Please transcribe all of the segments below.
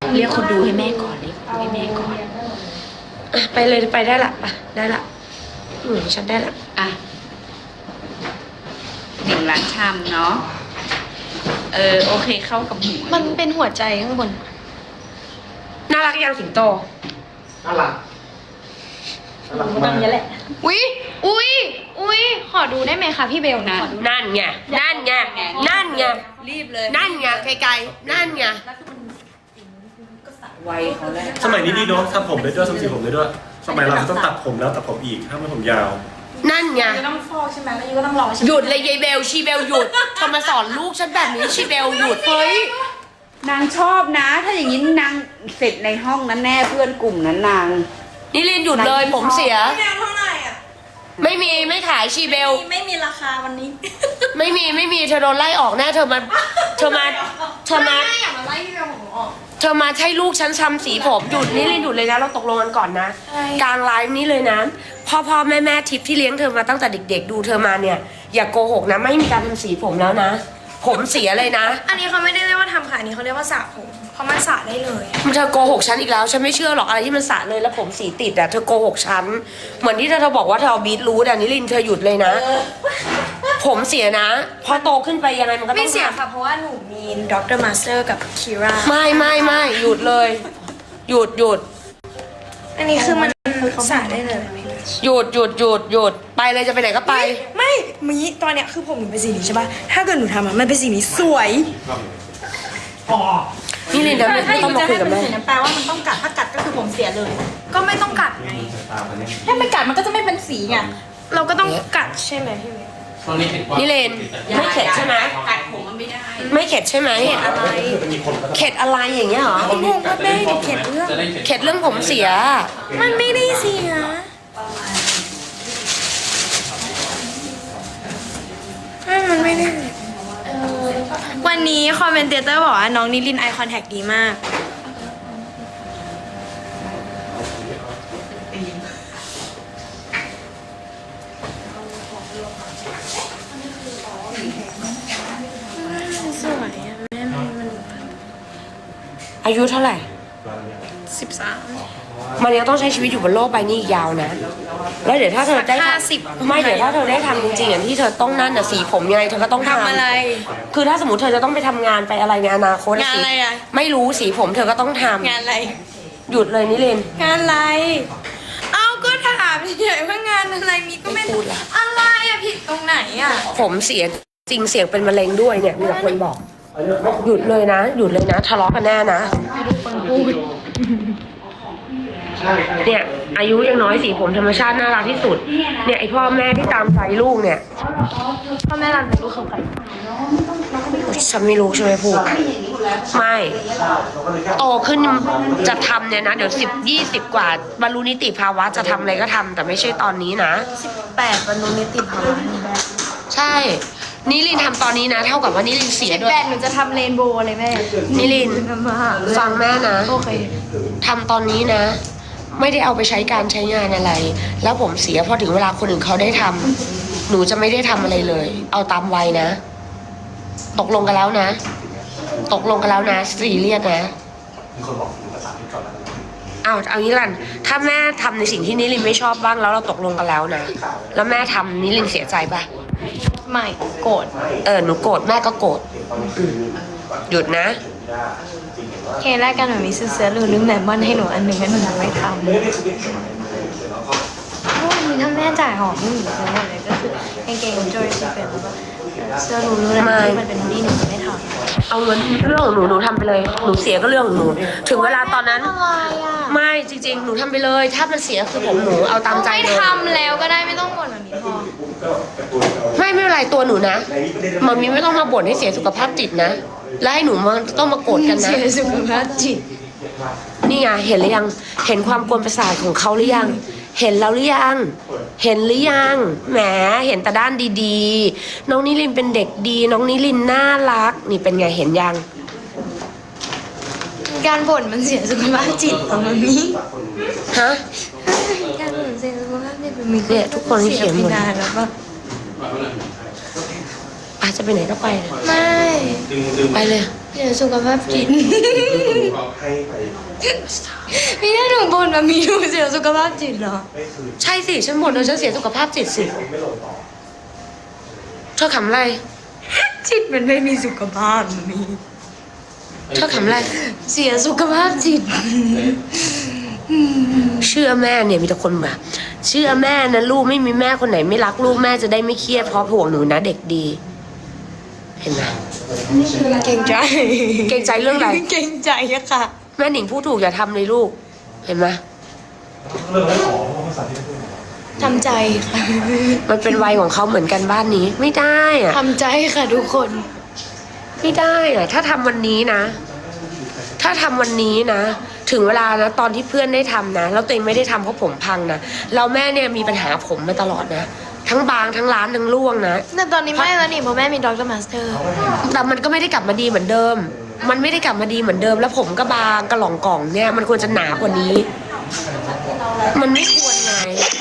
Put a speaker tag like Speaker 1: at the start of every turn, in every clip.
Speaker 1: เรียกคนดูให้แม่ก่อนเรียกคนดูให้แม่ก่อนอ่ะไปเลยไปได้ละอ่ะได้ละฉันได้ละ
Speaker 2: อ่ะ1 ล้านชามเนาะโอเคเข้ากับหมู
Speaker 3: มันเป็นหัวใจข้างบน
Speaker 1: น่ารักยังสิงโต
Speaker 4: น่ารัก
Speaker 3: ตั้งเยอะแหละอุ้ยขอดูได้ไหมคะพี่เบลนะ
Speaker 1: นั่นไงนั่นไงนั่นไง
Speaker 2: รีบเลย
Speaker 1: นั่นไงไกลๆนั่นไง
Speaker 2: ไวเขาแล้ว
Speaker 4: สมัยนี้ดีเนาะทำผมได้ด้วยทำสีผมได้ด้วยสมัยเราต้องตัดผมแล้วตัดผมอีกถ้าไม่ผมยาว
Speaker 1: นั่นไง
Speaker 3: ยูต้องฟอกใช่ไหมแล้วยูก็ต้องรอใช่ไหม
Speaker 1: หยุดเลยยายเบลชีเบลหยุดทำมาสอนลูกฉันแบบนี้ชีเบลหยุดเฮ้ย
Speaker 2: นางชอบนะ ถ้าอย่างนี้นางเสร็จในห้องนั้นแน่เพื่อนกลุ่มนั้นนาง
Speaker 1: นี่เรียนหยุดเลยผมเสีย
Speaker 3: พี่เบลเท่าไหร่อ่ะ
Speaker 1: ไม่ขายชีเบล
Speaker 3: ไม่มีราคาวันนี้
Speaker 1: ไม่มีเธอโดนไล่ออกแน่เธอมา
Speaker 3: ไม่อยากมาไล่พี่เบลของหนูออก
Speaker 1: เธอมาให้ลูกฉันทำสีผมหยุดนี่เรียนหยุดเลยนะเราตกลงกันก่อนนะกลางไลฟ์นี้เลยนะพ่อแม่ทิพย์ที่เลี้ยงเธอมาตั้งแต่เด็กๆดูเธอมาเนี่ยอย่าโกหกนะไม่มีการทำสีผมแล้วนะผมเสียเลยนะ
Speaker 3: อันนี้เขาไม่ได้เรียกว่าทำค่ะอันนี้เขาเรียกว่าสระผมเพราะมันสระได้เลย
Speaker 1: มันเธอโกหกฉันอีกแล้วฉันไม่เชื่อหรอกอะไรที่มันสระเลยแล้วผมสีติดอะเธอโกหกฉันเหมือนที่เธอบอกว่าเธอเอาบีทรูทอันนี้ลินเธอหยุดเลยนะผมเสียนะพอโตขึ้นไปยังไงมันก็ต้อง
Speaker 3: ไม่เสียค่ะเพราะว่าหนูมีดร.มาสเตอร์กับคิรา
Speaker 1: ไม่หยุดเลยหยุด
Speaker 3: อันนี้คือมันสระได้เลย
Speaker 1: หยุดไปเลยจะไปไหนก็ไป
Speaker 3: ไม่มีตอนเนี้ยคือผมหนูเป็นสีนี้ใช่ป่ะถ้าเกิดหนูทำมันเป็นสีนี้สวย
Speaker 1: นี่ลินนะไม่ต้องมาคุยกับแม่
Speaker 3: แปลว่ามันต้องกัดถ้ากัดก็คือผมเสียเลยก็ไม่ต้องกัดไงถ้าไม่กัดมันก็จะไม่เป็นสีไงเราก็ต้องกัดใช่ไหมพี่เมย์
Speaker 1: นี่เลนไม่เข็ดใช่ไหม
Speaker 2: กัดผมมันไม่ได้
Speaker 1: ไม่เข็ดใช่ไหมเข็ดอะไรอย่างเงี้ยหรอ
Speaker 3: พี่งงว่าแม่เข็ดเ
Speaker 1: รื่องผมเสีย
Speaker 3: มันไม่ได้เสียมันไม่ได้วันนี้คอมเมนเตอร์บอกว่าน้องนิลินไอคอนแทคดีมากสวยอะแม่มัน
Speaker 1: อายุเท่าไหร่
Speaker 3: 13
Speaker 1: มันยังต้องใช้ชีวิตอยู่บนโลกใบนี้อีกยาวนะแล้วเดี๋ยวถ้าเธอได้ไม่เดี๋ยวถ้าเธอได้ทำจริงๆอย่างที่เธอต้องนั่นน่ะสีผมยังไงเธอก็ต้องทำ
Speaker 3: อะไร
Speaker 1: คือถ้าสมมติเธอจะต้องไปทำงานไปอะไรในอนาคต
Speaker 3: งานอะไรอะ
Speaker 1: ไม่รู้สีผมเธอก็ต้องทำ
Speaker 3: งานอะไร
Speaker 1: หยุดเลยนิลิน
Speaker 3: งานอะไรเอาก็ถามเฉยๆว่างานอะไรมีก็ไม่พูดอะไรอะผิดตรงไหนอะ
Speaker 1: ผมเสียจริงเสียงเป็นมะเร็งด้วยเนี่ยมีคนบอกหยุดเลยนะทะเลาะกันแน่นะเนี่ยอายุยังน้อยสีผมธรรมชาติน่ารักที่สุดเนี่ยไอพ่อแม่ที่ตามใจลูกเนี่ย
Speaker 3: พ่อแม่รักลูกเขากัน
Speaker 1: ฉันไม่รู้ใช่ไหมพูดไม่โตขึ้นจะทำเนี่ยนะเดี๋ยว10-20กว่าบรรลุนิติภาวะจะทำอะไรก็ทำแต่ไม่ใช่ตอนนี้นะ
Speaker 3: 18บรรลุนิติภาวะ
Speaker 1: ใช่นิลินทำตอนนี้นะเท่ากับว่านิลินเสียด้วย
Speaker 3: 18หนูจะทำเรนโบว์เลยแม่
Speaker 1: นิลินฟังแม่นะ
Speaker 3: โอเค
Speaker 1: ทำตอนนี้นะไม่ได้เอาไปใช้การใช้งานอะไรแล้วผมเสียพอถึงเวลาคนอื่นเขาได้ทำหนูจะไม่ได้ทำอะไรเลยเอาตามวัยนะตกลงกันแล้วนะซีเรียสนะเอางี้กันถ้าแม่ทำในสิ่งที่นิลินไม่ชอบบ้างแล้วเราตกลงกันแล้วนะแล้วแม่ทำนิลินเสียใจปะ
Speaker 3: ไม่โกรธ
Speaker 1: หนูโกรธแม่ก็โกรธหยุดนะ
Speaker 3: เคแรกกันหนูมีซื้อเสื้อลืมแหนมมันให้หนูอันหนึ่งให้หนูไม่ทำถ้าแม่จ่ายหอมหนูซื้อหมดเลยก็คือกางเกงจอยซีเป็นแล้วก็เสื้อรู้เลยมันเป็นนี่หนูไม่ทำ
Speaker 1: เอาเงินเรื่องของหนูทำไปเลยหนูเสียก็เรื่องของหนูถึงเวลาตอนนั้นไม่จริงๆหนูทำไปเลยถ้ามันเสียคือผมหนูเอาตามใจเลย
Speaker 3: ไม่ทำแล้วก็ได้ไม่ต้องบ่นแบบนี้พอ
Speaker 1: ไม่เป็นไรตัวหนูนะมันมีไม่ต้องมาบ่นให้เสียสุขภาพจิตนะแล้วให้หนูมาต้องมาโกรธกันนะ
Speaker 3: เสียสุขภาพจิต
Speaker 1: นี่ไงเห็นหรือยังเห็นความกวนประสาทของเขาหรือยังเห็นแล้วหรือยังแหมเห็นแต่ด้านดีๆน้องนิลินเป็นเด็กดีน้องนิลินน่ารักนี่เป็นไงเห็นยัง
Speaker 3: การบ่นมันเสียสุขภาพจิตของมันมี
Speaker 1: ฮะ
Speaker 3: การบ่นเสียสุขภาพจิตมันมี
Speaker 1: เนี่ยทุกคนที่เขียนหมด
Speaker 3: แล้วก็
Speaker 1: อาจจะไปไหนก็ไป
Speaker 3: ไม่
Speaker 1: ไปเลย
Speaker 3: เสียสุขภาพจิต
Speaker 4: ให้ไป
Speaker 3: พี่ได้หนูบ่นแบบมีหนูเสียสุขภาพจิตเหรอ
Speaker 4: ไม่คืน
Speaker 1: ใช่สิฉันบ่นเลยฉันเสียสุขภาพจิตสิ
Speaker 4: ผมไม่ลงต่อ
Speaker 1: เธอขำอะไร
Speaker 3: จิตมันไม่มีสุขภาพมี
Speaker 1: เธอขำอะไร
Speaker 3: เสียสุขภาพจิต
Speaker 1: เชื่อแม่เนี่ยมีแต่คนแบบเชื่อแม่นะลูกไม่มีแม่คนไหนไม่รักลูกแม่จะได้ไม่เครียดเพราะห่วงหนูนะเด็กดี เห็นไหม
Speaker 3: เก่งใจ
Speaker 1: เกรงใจเรื่องอะไร
Speaker 3: เก่งใจอะค่ะ
Speaker 1: แม่หนิงพูดถูกอย่าทำเลยลูก เห็นไหม
Speaker 4: เรื่องไม่ขอภาษาที่ไม่พูด
Speaker 3: ทำใจค่ะ
Speaker 1: มันเป็นวัยของเขาเหมือนกันบ้านนี้ ไม่ได้อะ
Speaker 3: ทำใจค่ะทุกคน
Speaker 1: ไม่ได้อะถ้าทำวันนี้นะ ถ้าทำวันนี้นะ ถึงเวลานะตอนที่เพื่อนได้ทำนะแล้วตัวเองไม่ได้ทำเพราะผมพังนะเราแม่เนี่ยมีปัญหาผมมาตลอดนะทั้งบางทั้งร้านทั้งร่วงนะ
Speaker 3: แต่ตอนนี้ไม่แล้วนี่เพราะแม่มีด็อกเตอร์มาสเตอร์
Speaker 1: แต่มันก็ไม่ได้กลับมาดีเหมือนเดิม มันไม่ได้กลับมาดีเหมือนเดิม แล้วผมก็บางกระหล่องกล่องเนี่ยมันควรจะหนากว่านี้ มันไม่ควรไง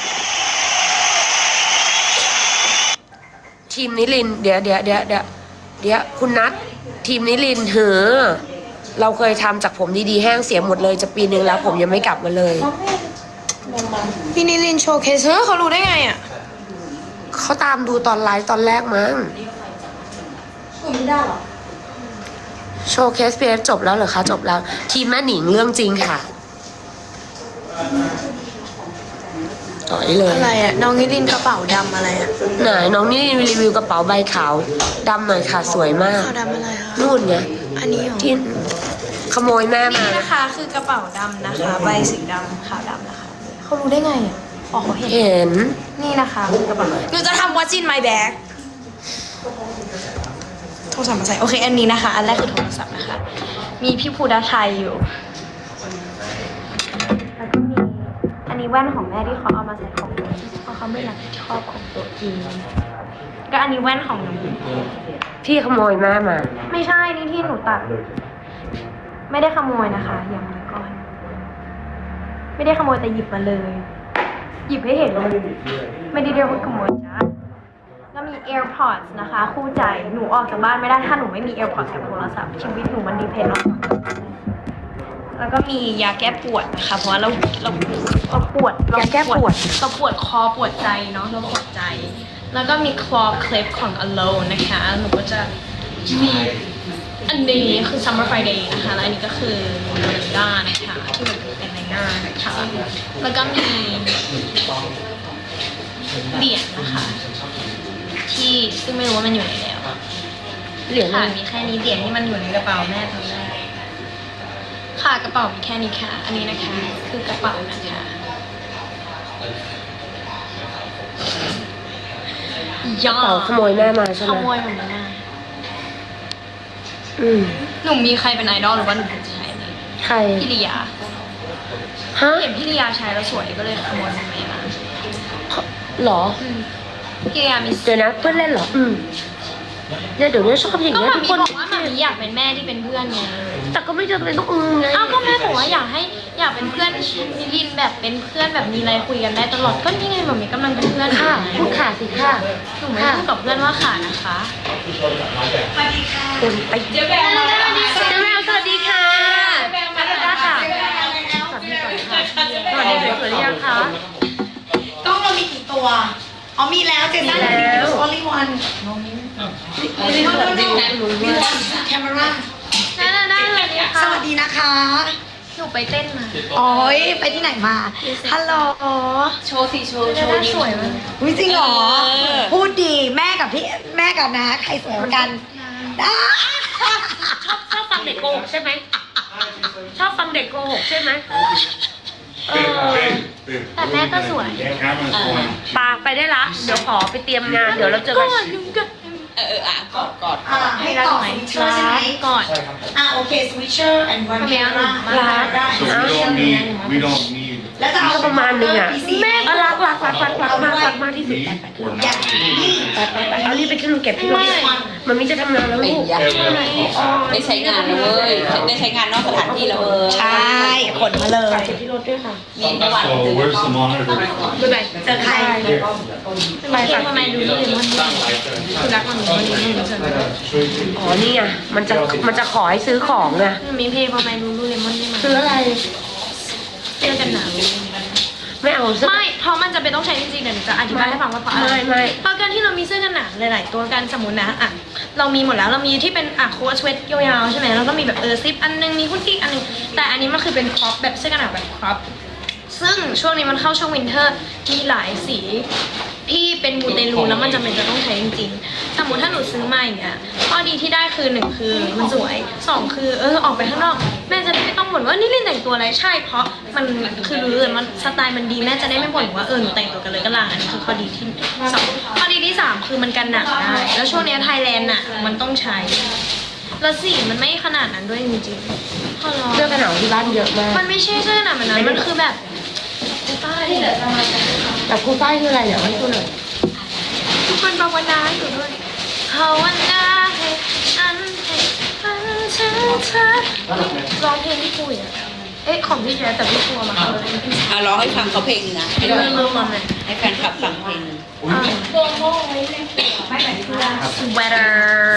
Speaker 1: ทีมนิลินทร์เดี๋ยวคุณนัททีมนิลินทร์เหอะเราเคยทำจากผมดีๆแห้งเสียหมดเลยจะปีนึงแล้วผมยังไม่กลับมาเลย
Speaker 3: พี่นิลินโชว์เคสเฮ้ยเขารู้ได้ไงอ่ะ
Speaker 1: เขาตามดูตอนไลฟ์ตอนแรกมั้งโชว์เคสพีเอฟจบแล้วเหรอคะจบแล้ว ทีมแม่หนิงเรื่องจริงค่ะต่อยเลย
Speaker 3: อะไรอ่ะ น้องนิลินกระเป๋าดำอะไรอ่ะ
Speaker 1: ไหนน้องนี่รีวิวกระเป๋าใบขาวดำหน่อยค่ะสวยมาก
Speaker 3: ขาวดำอะไรคะ
Speaker 1: นู่นไง
Speaker 3: อันนี้เหรอ
Speaker 1: ที่ขโมยแม่มา
Speaker 3: นี่นะคะคือกระเป๋าดำนะคะ ใบสีดำขาวดำนะคะเขารู้ได้ไงอ่ะอ๋อเขาเห็น
Speaker 1: เห็น
Speaker 3: นี่นะคะคือกระเป๋าหนูจะทำ What's in my bag โทรศัพท์มาใส่โอเคอันนี้นะคะ อันแรกคือโทรศัพท์นะคะ มีพี่ภูดาชัยอยู่ แล้วก็มีอันนี้แว่นของแม่ที่เขาเอามาใส่ของตัวเพราะเขาไม่รับผิดชอบของตัวเองก็อันนี้แว่นของหนู
Speaker 1: พี่ขโมยแม่มา
Speaker 3: ไม่ใช่นี่ที่หนูตัด ไม่ได้ขโมยนะคะอย่างนี้ก่อน ไม่ได้ขโมยแต่หยิบมาเลย หยิบให้เห็นเลยไม่ได้เรียกว่าขโมยจ้าแล้วมี AirPods นะคะ คู่ใจหนูออกจากบ้านไม่ได้ถ้าหนูไม่มี AirPods กับโทรศัพท์ชีวิตหนูมันดีเพนต์แล้วก็มียาแก้ปวดนะคะเพราะว่าเราปวด
Speaker 1: ยาแก้ปวด
Speaker 3: เราปวดคอปวดใจเนาะเราปวดใจ แล้วก็มี claw clip ของ Alone นะคะหนูก็จะมีอันนี้คือ Summer Friday นะคะแล้วอันนี้ก็คือด้านนะคะที่มันเป็นในหน้านะคะแล้วก็มีเหรียญนะคะที่ซึ่งไม่รู้ว่ามันอยู่ไหนแล้ว
Speaker 1: เหรียญ
Speaker 3: ค่ะ
Speaker 1: อะไร
Speaker 3: มีแค่นี้เหรียญที่มันอยู่ในกระเป๋าแม่ตอนแรกค่ะกระเป๋ามีแค่นี้ค่ะ อันนี้นะคะ คือกระเป๋านะคะ
Speaker 1: กระเป๋าขโมยแม่มาใช่ไห
Speaker 3: ข
Speaker 1: ม
Speaker 3: โมยของแม่
Speaker 1: อืม
Speaker 3: หนูมีใครเป็นไอดอลหรือว่าหนูเป็นใช้ไหม
Speaker 1: ใคร
Speaker 3: พี่ลียา
Speaker 1: ฮะ
Speaker 3: เห็นพี่ลียาใช้แล้วสวยก็เลยขโมยของแม่มา
Speaker 1: หรอ
Speaker 3: พี่ลียามี
Speaker 1: เดี๋ยวนะเพื่อนเล่นเหรอเนี่ยเดี๋ยวนี้ชอบอย่าง
Speaker 3: ก็
Speaker 1: เงี้ย
Speaker 3: มา
Speaker 1: ทุก
Speaker 3: มี
Speaker 1: คน
Speaker 3: บอกว่ามามีอยากเป็นแม่ที่เป็นเพื่อนไง
Speaker 1: แต่ก็ไม่จำเป็นต้องไง
Speaker 3: อ้าวก็แม่บอกว่าอยากเป็นเพื่อนนิลินแบบเป็นเพื่อนแบบมีอะไรคุยกันได้ตลอดก็นี่ไงหมอมีกำลังเป็นเพื่อน
Speaker 1: ค่ะพูดค่ะสิค่ะ
Speaker 3: หนูไม่พูดกับเพื่อนว่าขานะคะ
Speaker 1: คุณไปเจ๊แมวสวัสดีค่ะมาแล้วจ้าค่ะสวัสดีก่อนค่ะสวัสดีค่ะสวัสดียังคะ
Speaker 5: กล้องเรามีกี่ตัว อ๋อมีแล้วเจสัน
Speaker 1: มีแล้ว
Speaker 5: only one
Speaker 1: นี่สวัสดีลุง
Speaker 5: มี
Speaker 1: ว่า
Speaker 5: one camera
Speaker 3: ได้เลยเนี่ย
Speaker 5: ส
Speaker 3: ค่ะ
Speaker 5: วัสดีนะคะ
Speaker 3: หนูไปเต้นมา
Speaker 5: โอ้ยไปที่ไหนมา ฮัลโหล
Speaker 3: โชว์สิโชว์สวยมาก
Speaker 5: วิจริงเหรอ พูดดีแม่กับนะ ใครสวยกว่ากันอ่า
Speaker 1: ชอบฟังเด็กโกหกใช่ไหมชอบฟังเด็กโกหกใช่ไหม
Speaker 3: แต่แม่ก็สวย
Speaker 1: ปาไปได้ละเดี๋ยวขอไปเตรียมงานเดี๋ยวเราเจอกัน
Speaker 5: ให้ต่อสวิตเชอร์ใช่ไหม
Speaker 3: ก่อน
Speaker 5: โอเคสวิตเชอร์ and one camera
Speaker 3: ร้าน
Speaker 5: ได้
Speaker 6: So we don't need
Speaker 5: แล้วจะเอา
Speaker 1: ก็ประมาณนึงอ่ะ
Speaker 5: แม่
Speaker 1: รักมากที่สุด
Speaker 5: อยาก
Speaker 1: ไปเอารีบไปขึ้นรถเก็บที่รถมันไม่จะทำงานแล้ว
Speaker 2: ไม่
Speaker 1: ลูก
Speaker 2: อยากได้ใช้งานเลยได้ใช้งานนอกสถานที่แล้ว
Speaker 5: ใช่ขนมาเลย
Speaker 1: เก็บที่รถด้วยค่ะ
Speaker 2: มีประวัติ
Speaker 6: So where's the monitor?
Speaker 3: บ๊ายบาย
Speaker 5: เจอใคร
Speaker 3: ไปฝากทำไมดูเลมอนคือรักมันมันมันมัน
Speaker 1: อ๋อนี่ไงมันจะขอให้ซื้อของไง
Speaker 3: มีเพย์พอไปดูเลมอนนี่มา
Speaker 1: ซื้ออะไร
Speaker 3: เสื้อกันหนาว
Speaker 1: ไม่เอาเสื้อ
Speaker 3: ไม่เพราะมันจะเป็นต้องใช้จริงๆเดี๋ยวหนูจะอธิบายให้ฟังว่าเพราะอะไร
Speaker 1: ไม่
Speaker 3: เพราะการที่เรามีเสื้อกันหนาวหลายๆตัวกันสมมุตินะอ่ะเรามีหมดแล้วเรามีที่เป็นโค้ทสเวตยาวๆใช่ไหมแล้วก็มีแบบซิปอันนึงมีหุ้นกิ๊กอันนึงแต่อันนี้มันคือเป็นครอปแบบเสื้อกันหนาวแบบครอปซึ่งช่วงนี้มันเข้าช่วงวินเทอร์มีหลายสีที่เป็นมูเตลูแล้วมันจำเป็นจะต้องใช้จริงๆสมมติถ้าหนูซื้อมาอย่างเงี้ยข้อดีที่ได้คือ1คือมันสวย2คือออกไปข้างนอกแม่จะได้ไม่ต้องบ่นว่านี่ลินแต่งตัวอะไรใช่เพราะมันคือรู้เลยมันสไตล์มันดีแม่จะได้ไม่บ่นว่าหนูแต่งตัวกันเลยก็ลางอันนี้คือข้อดีที่2ข้อดีที่3คือมันกันหนักได้แล้วช่วงนี้ไทยแลนด์น่ะมันต้องใช้แล้วสีมันไม่ขนาดนั้นด้วยจริงๆพอร้อน
Speaker 1: เสื้อกันหนาวที่บ้านเยอะมาก
Speaker 3: มันไม่ใช่เสื้อหนาแบบนั้นมันคือแบบป้ายเนี่ย
Speaker 1: แต่ครูป้ายคืออะไรเดี๋ยวให้ดูหน่อย
Speaker 3: ทุกคนภาวนาให้หนูด้วยภาวนาให้ฉันให้ฝันถึงเธอร้องเพลงที่คุยอ่ะของพี่แจ๊แต่พี่ครัวมาเขาเลย
Speaker 2: ร้องให้ฟังเขาเพลงนะให้
Speaker 3: เริ่มมาเลย
Speaker 2: ให้แฟนคลับฟังเพลง
Speaker 3: sweater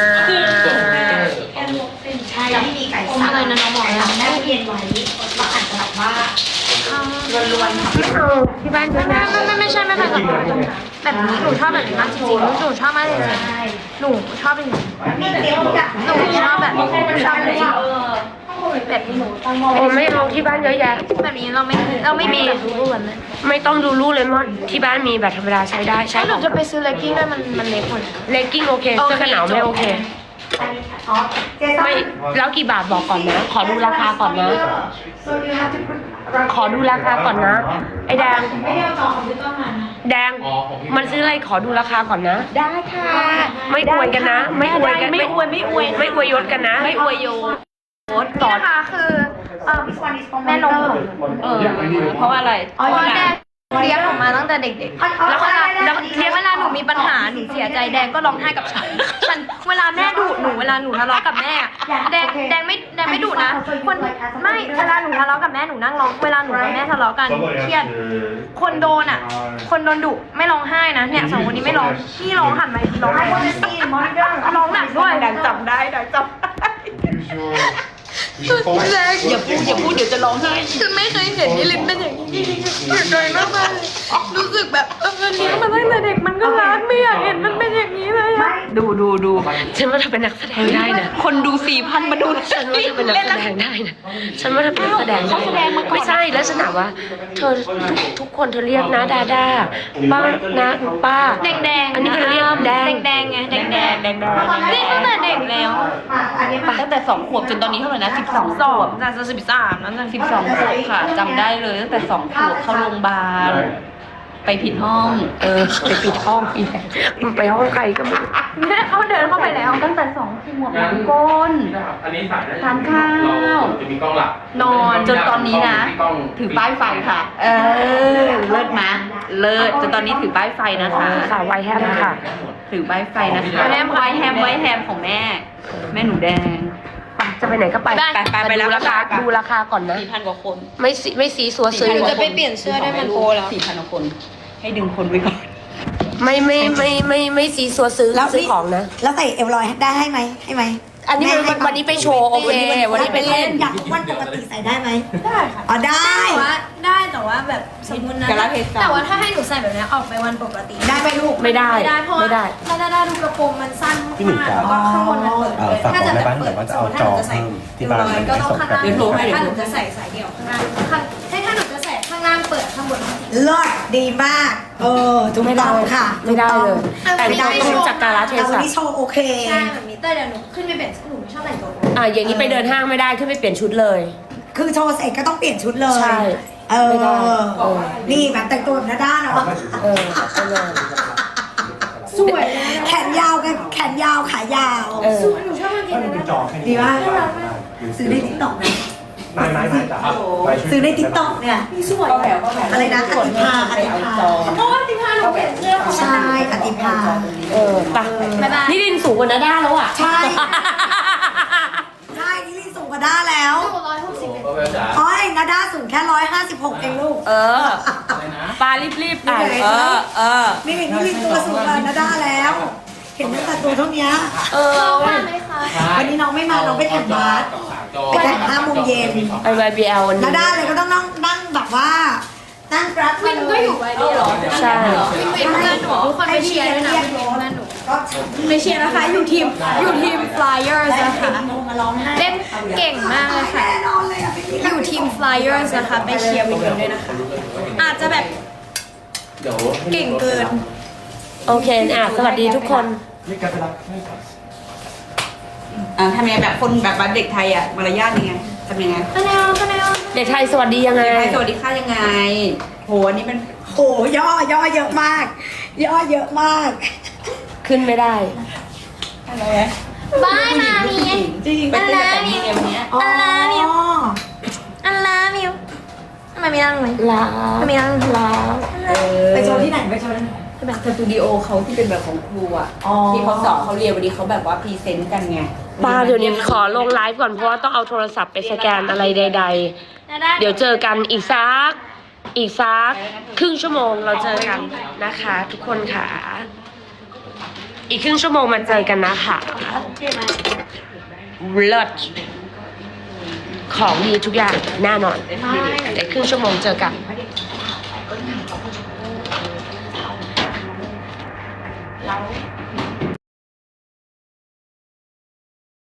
Speaker 5: ใช่ที่มีไก่สับ
Speaker 3: อะไรนะน้องบอกนะ
Speaker 5: แม่เรียนไว้ก็อาจจะแบบว่าล้วนๆค่ะ
Speaker 1: ไม่เอาที่บ้านเยอะนะ
Speaker 3: ไม่ใช่ไม่แบบนี้หนูชอบแบบนี้มากจริงๆหนูชอบมากจริงๆหนูชอบอย่างนี้
Speaker 5: มีเตี้ยวกับ
Speaker 3: หนูชอบแบบชอบแบบนี้แบบนี้
Speaker 1: โอ้ไม่เอาที่บ้านเยอะแยะ
Speaker 3: แบบนี้เราไม่มีแบบรูปแบบนั้น
Speaker 1: ไม่ต้องดูรูปเลยมั้งที่บ้านมีแบบธรรมดาใช้ได้ใช้
Speaker 3: ถ้าหนูจะไปซื้อเลกกิ้งด้วยมันเล็กหมด
Speaker 1: เลกกิ้งโอเคเสื้อกันหนาวไม่โอเค
Speaker 5: อ๋อเจ๊ต้อ
Speaker 1: ไม่แล้วกี่บาทบอกก่อนนะ ขอดูราคาก่อนนะ
Speaker 5: so you have to put
Speaker 1: ขอดูราคาก่อนนะ ไอ้แดง
Speaker 5: ไม่ได้เอาจอคอมพิวเตอร์มานะ
Speaker 1: แดง มันซื้ออะไรขอดูราคาก่อนนะ
Speaker 2: ได้ค่ะ
Speaker 1: ไม่อวยกันนะ ไม่อวยกันไม่อวยยศกันนะ
Speaker 2: ไม่อวยโย
Speaker 3: นี่นะคะคือแม่นมของ
Speaker 2: เพราะว่าอะไร
Speaker 3: เพราะว่าแดงเลี้ยงหนูมาตั้งแต่เด็กๆแล้วเวลาหนูมีปัญหาหนูเสียใจแดงก็ร้องไห้กับฉันเวลาแม่ดุหนูเวลาหนูทะเลาะกับแม่แดงไม่ดุนะคนไม่เวลาหนูทะเลาะกับแม่หนูนั่งร้องเวลาหนูกับแม่ทะเลาะกันเครียดคนโดนคนโดนดุไม่ร้องไห้นะเนี่ย2คนนี้ไม่ร้องพี่ร้องหันมาร้องไห้ร้องหนักด้วย
Speaker 2: ดังจำได้ดังจำอย่าพูดเดี๋ยวจะร้องไห้
Speaker 3: คือไม่เคยเห็นนิลินเป็นอย่างนี้จริงๆเสียใจมากๆรู้สึกแบบเลี้ยงมาตั้งแต่เด็กมันก็รักไม่อยากเห็นมันเป็นอย่างนี้เลยอะ
Speaker 2: ดู
Speaker 1: ฉันว่าเธอเป็นนักแสดงได้นะ
Speaker 2: คนดู 4,000 มาดู
Speaker 1: ฉันว่าเธอเป็นนักแสดงได้นะ ฉันว่าเธอเป็นนักแสดงได้
Speaker 2: เขาแสดงมาก่อน
Speaker 1: ไม่ใช่แล้วฉันถามว่า เธอทุกคนเธอเรียกนะดาด้าป้านะป้า
Speaker 3: แดงๆ
Speaker 1: อันนี้คือเรียกแดง
Speaker 3: แดงไงแดงเล่นตั้งแต่เด็กแล้ว
Speaker 5: อันนี้มา
Speaker 2: ตั้งแต่2 ขวบจนตอนนี้เท่าไหร่นะ12 ขวบ
Speaker 3: น่าจะ13นั่นจะ
Speaker 2: 12 ขวบค่ะจำได้เลยตั้งแต่2 ขวบเข้าโรงพยาบาลไปผิดห้อง
Speaker 1: ไปปิดห้องอีแดงมันไปห้องใครก็ไม่รู้
Speaker 3: แม่เขาเดินเข้าไปแล้ว
Speaker 2: ตั้งแต่2 ขวบล้างก้น
Speaker 6: อันนี้สายได้
Speaker 2: ทานข้าว
Speaker 6: จะมีกล้องหลัก
Speaker 3: นอน
Speaker 2: จนตอนนี้นะ ถือป้ายไฟค่ะ เลิศมะเลิศจนตอนนี้ถือป้ายไฟนะคะ
Speaker 1: สาววัยแฮมค่ะ
Speaker 2: ถือป้ายไฟนะคะไวแฮมของแม่หนูแดง
Speaker 1: จะไปไหนก็ไป
Speaker 2: ไป
Speaker 1: ดูราคา
Speaker 2: ไป
Speaker 1: ดูราคาก่อนนะ
Speaker 2: 4,000 กว่าคน
Speaker 1: ไม่ซีซัวซื้อ
Speaker 3: จะไปเปลี่ยนเสื้อได้มันโกแล้ว
Speaker 2: 4,000 กว่าคน ให้ดึงคนไว้ก่อน
Speaker 1: ไม่ซีซัวซื้อของนะ
Speaker 5: แล้วใส่เอวลอยได้ให้ไหมให้ไหม
Speaker 1: อันนี้วันนี้ไปโชว์โอเค วันนี้ไปเล่น
Speaker 5: อยากวันปกติใส่ได้ไหมได้ค่ะอ๋อได้
Speaker 3: แต่ว่าแบบสมมตินะ
Speaker 2: กาลเทศะ
Speaker 3: แต่ว่าถ้าให้หนูใส่แบบนี้ออกไปวันปกติ
Speaker 5: ได้ไหมลูก
Speaker 1: ไม่ได้
Speaker 3: เพราะว่า
Speaker 1: ไม่ได้
Speaker 3: ได้ดูกระโปรงมันสั้นมากแล้วก็ข้างบนมันเปิดเลย
Speaker 4: ฝากบอกได้บ้างแต่ว่าจะเอาจอเพิ่มที่บ้าน
Speaker 3: ก็ต้องข้างล่าง
Speaker 2: เดี๋ยวโทรให้
Speaker 3: ถ้าหนูจะใส่สายเดี่ยวข้างล่างถ้าหนูจะใส่ข้างล่างเปิดข้างบน
Speaker 5: เลิศดีมากถูกต้องค่ะ
Speaker 1: ไม่ได้เลย แต่
Speaker 5: ไม่ได้
Speaker 1: ต้องรู้จักกาลเท
Speaker 5: แต่วัน
Speaker 1: ศะ
Speaker 5: นี้โชว์โอเค
Speaker 3: ใช่แบบนี้แต่เดี๋ยวหนูขึ้นไปเปลี่ยนหนูไม่ชอบแต่งตัว
Speaker 1: อย่างนี้ไปเดินห้างไม่ได้ขึ้นไปเปลี่ยนชุดเลย
Speaker 5: คือโชว์เสร็จก็ต้องเปลี่ยนชุดเลย
Speaker 1: ใช่ไม่ได้
Speaker 5: นี่แบบแต่งตัวแบบหน้าด้านเนาะ
Speaker 1: ไปเลย
Speaker 3: สวยนะ
Speaker 5: แขนยาวกับแขนยาวขายาว
Speaker 3: หนูชอบมากเลยนะ
Speaker 5: ดีมากซื้อในติ๊กต็อกนะ
Speaker 4: นายจ๋าไปช่วย
Speaker 5: ซื้อในติ๊กต็อกเนี่ย
Speaker 2: ก็แถว
Speaker 5: อะไรนะอติภาอติภา
Speaker 3: เพราะว่าที่พาหนูเปลี่ยนเสื้อของ
Speaker 5: ใช่อติภา
Speaker 1: ไปนี่ดินสูงกว่านาด้าแล้วอ่ะ
Speaker 5: ใช่ ใช่นี่ลินสูงกว่าด้าแล้ว
Speaker 6: ก็ไปจ๋า
Speaker 5: อ๋อเองนะด้าสูงแค่156เองลูก
Speaker 1: ปลารีบๆไป
Speaker 5: นี่ลินตัวสูงกว่านะด้าแล้ว เห็นตั้งแต่ตัวเท่านี้
Speaker 3: ว่าไหมคะ
Speaker 5: วันนี้น้องไม่มาน้องไปแข่งบาสไปแข่ง5 โมงเย็น
Speaker 1: ไป YBL วันนี้
Speaker 5: นะด้าเลยก็ต้องนั่งแบบว่า นั่งกราฟ
Speaker 3: วินก็อยู่ไว้ด้วยเหรอ
Speaker 1: ใช่
Speaker 3: วินเพื่อนหนูทุกคนไปเชียร์ด้วยนะเพื่อนหนู
Speaker 5: ก็
Speaker 3: ไปเชียร์นะคะ อยู่ทีม Flyers นะคะ
Speaker 5: มาร้องไห้
Speaker 3: เล่นเก่งมากเลยค่ะ
Speaker 5: แน่นอนเลยอ่ะ
Speaker 3: อยู่ทีม Flyers นะคะ ไปเชียร์วินด้วยนะคะ อาจจะแบบ
Speaker 6: เดี๋ยว
Speaker 3: เก่งเกิน
Speaker 1: โอเคสวัสดีทุกคน
Speaker 4: นี่แกไปรับให้ก่อน
Speaker 2: ทำยังไงแบบคนแบบเด็กไทยอ่ะมารยาทยังไงทำยังไง
Speaker 3: คะแนน
Speaker 1: เด็กไทยสวัสดียังไง
Speaker 2: เด็กไทยสวัสดีค่ะยังไงโหอันนี้มัน
Speaker 5: โหย่อเยอะมาก ย่อเยอะมาก
Speaker 1: ขึ้นไม่ได้
Speaker 3: บายมามี
Speaker 2: จริงเป็นแบบนี้ไงวันเนี้ย
Speaker 5: อ๋อ
Speaker 3: อันลามิวทำไมไม่นั่งเลย
Speaker 1: ลา
Speaker 3: ทำไมนั่ง
Speaker 1: ลา
Speaker 5: ไปโชว์ที่ไหนไปโชว์ที่ไหน
Speaker 2: แบบสตูดิโอเขาที่เป็นแบบของครูอ่ะ
Speaker 5: อ๋อ
Speaker 2: ที่เขาสอนเขาเรียนวันนี้เขาแบบว่าพรีเซนต์กันไง
Speaker 1: ป้าเดี๋ยวนี้ขอลงไลฟ์ก่อนเพราะว่าต้องเอาโทรศัพท์ไปสแกนอะไรใด ๆ เดี๋ยวเจอกันอีกสักครึ่งชั่วโมงเราเจอกันนะคะ ทุกคนค่ะ อีกครึ่งชั่วโมงมาเจอกันนะคะเลิศของดีทุกอย่างแน่นอนเดี๋ยวครึ่งชั่วโมงเจอกัน